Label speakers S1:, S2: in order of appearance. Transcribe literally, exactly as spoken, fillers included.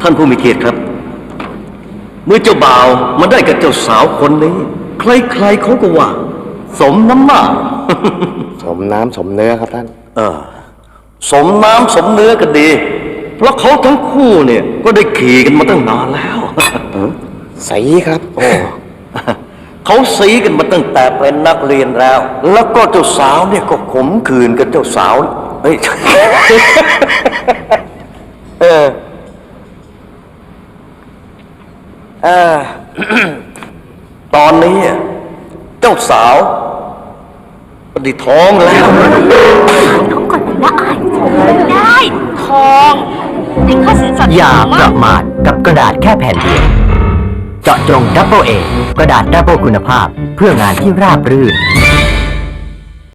S1: านผู้มีเกียรติครับเมื่อเจ้าบ่าวมาได้กับเจ้าสาวคนนี้ใครๆเขาก็ว่าสมน้ำหน้า
S2: สมน้ำสมเนื้อครับท่าน
S1: เออสมน้ำสมเนื้อกันดีเพราะเขาทั้งคู่เนี่ยก็ได้ขี่กันมาตั้งนานแล้ว
S2: สีครับโอ้
S1: เขาสีกันมาตั้งแต่เป็นนักเรียนแล้ว แล้วก็เจ้าสาวเนี่ยก็ขมขื่นกับเจ้าสาวเฮ้ย เออเออ ตอนนี้เจ้าสาวปฏิท้องแล้ว
S3: เขาก่อนนะอายได้ทองได้ค่าสินสอด
S4: อย่าประมาทกับกระดาษแค่แผ่นเดียวเจาะจงดับเบิลเอกระดาษดับเบิลคุณภาพเพื่องานที่ราบรื่น